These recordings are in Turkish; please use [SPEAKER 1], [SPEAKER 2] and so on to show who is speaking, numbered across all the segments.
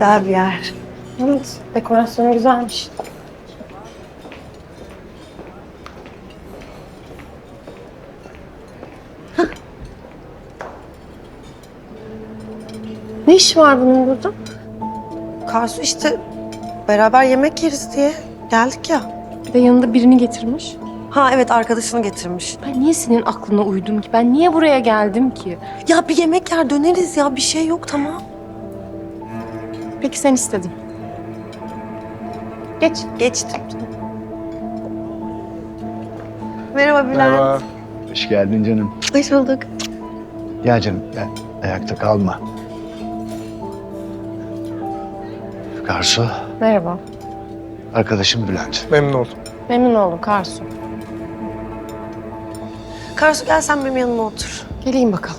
[SPEAKER 1] Güzel bir yer.
[SPEAKER 2] Evet, dekorasyonu güzelmiş. Ne iş var bunun burada?
[SPEAKER 1] Karsu işte beraber yemek yeriz diye geldik ya.
[SPEAKER 2] Bir de yanında birini getirmiş.
[SPEAKER 1] Ha evet, arkadaşını getirmiş.
[SPEAKER 2] Ben niye senin aklına uydum ki? Ben niye buraya geldim ki?
[SPEAKER 1] Ya bir yemek yer döneriz ya, bir şey yok, tamam.
[SPEAKER 2] Peki sen istedin. Geç.
[SPEAKER 1] Geçtim. Merhaba Bülent.
[SPEAKER 3] Merhaba. Hoş geldin canım.
[SPEAKER 1] Hoş bulduk.
[SPEAKER 3] Gel canım gel. Ayakta kalma. Karsu,
[SPEAKER 2] Merhaba.
[SPEAKER 3] arkadaşım Bülent.
[SPEAKER 4] Memnun oldum.
[SPEAKER 2] Memnun oldum Karsu.
[SPEAKER 1] Karsu gel sen benim yanıma otur.
[SPEAKER 2] Geleyim bakalım.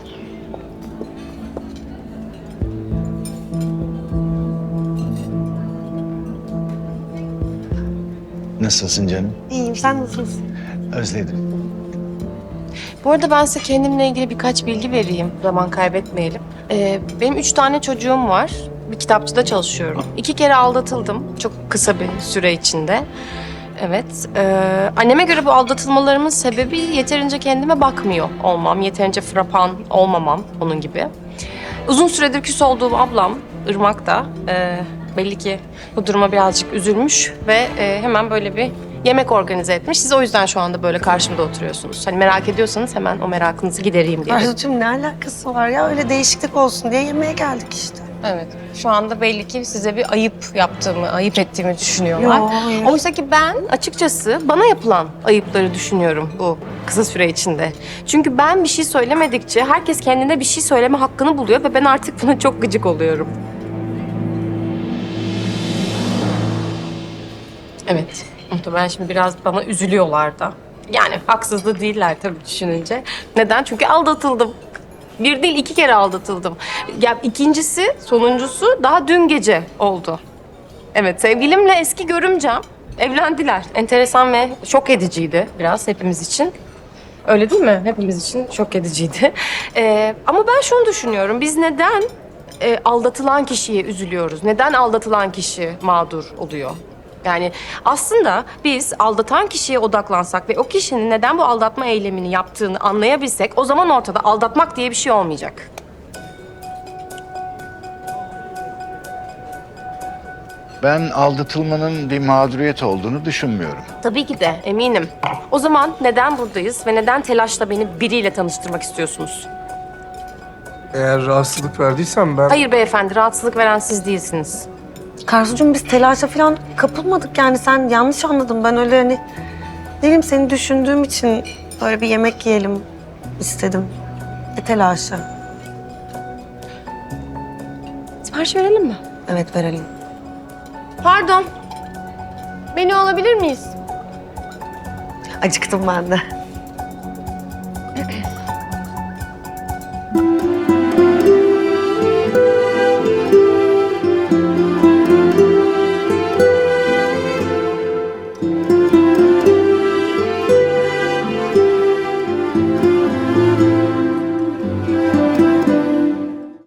[SPEAKER 3] Nasılsın canım?
[SPEAKER 1] İyiyim, sen nasılsın?
[SPEAKER 3] Özledim.
[SPEAKER 2] Bu arada ben size kendimle ilgili birkaç bilgi vereyim. Zaman kaybetmeyelim. Benim 3 tane çocuğum var. Bir kitapçıda çalışıyorum. 2 kere aldatıldım. Çok kısa bir süre içinde. Evet. Anneme göre bu aldatılmalarımın sebebi yeterince kendime bakmıyor olmam. Yeterince frapan olmamam onun gibi. Uzun süredir küs olduğum ablam Irmak da belli ki bu duruma birazcık üzülmüş ve hemen böyle bir yemek organize etmiş. Siz o yüzden şu anda böyle karşımda oturuyorsunuz. Hani merak ediyorsanız hemen o merakınızı gidereyim diye.
[SPEAKER 1] Karsu'cum ne alakası var ya? Öyle değişiklik olsun diye yemeğe geldik işte.
[SPEAKER 2] Evet. Şu anda belli ki size bir ayıp yaptığımı, ayıp ettiğimi düşünüyorlar.
[SPEAKER 1] Yo, hayır.
[SPEAKER 2] Oysa ki ben açıkçası bana yapılan ayıpları düşünüyorum bu kısa süre içinde. Çünkü ben bir şey söylemedikçe herkes kendine bir şey söyleme hakkını buluyor ve ben artık buna çok gıcık oluyorum. Evet. Muhtemelen şimdi biraz bana üzülüyorlar da. Yani haksız da değiller tabii düşününce. Neden? Çünkü aldatıldım. Bir değil 2 kere aldatıldım. Ya ikincisi, sonuncusu daha dün gece oldu. Evet, sevgilimle eski görümcem evlendiler. Enteresan ve şok ediciydi biraz hepimiz için. Öyle değil mi? Hepimiz için şok ediciydi. Ama ben şunu düşünüyorum. Biz neden aldatılan kişiye üzülüyoruz? Neden aldatılan kişi mağdur oluyor? Yani aslında biz aldatan kişiye odaklansak ve o kişinin neden bu aldatma eylemini yaptığını anlayabilsek o zaman ortada aldatmak diye bir şey olmayacak.
[SPEAKER 3] Ben aldatılmanın bir mağduriyet olduğunu düşünmüyorum.
[SPEAKER 2] Tabii ki de eminim. O zaman neden buradayız ve neden telaşla beni biriyle tanıştırmak istiyorsunuz?
[SPEAKER 4] Eğer rahatsızlık verdiysen ben...
[SPEAKER 2] Hayır beyefendi, rahatsızlık veren siz değilsiniz.
[SPEAKER 1] Karsu'cum biz telaşa falan kapılmadık yani, sen yanlış anladın. Ben öyle hani ne bileyim, seni düşündüğüm için böyle bir yemek yiyelim istedim. Telaşı.
[SPEAKER 2] Sipariş verelim mi?
[SPEAKER 1] Evet, verelim.
[SPEAKER 2] Pardon. Menü alabilir miyiz?
[SPEAKER 1] Acıktım ben de.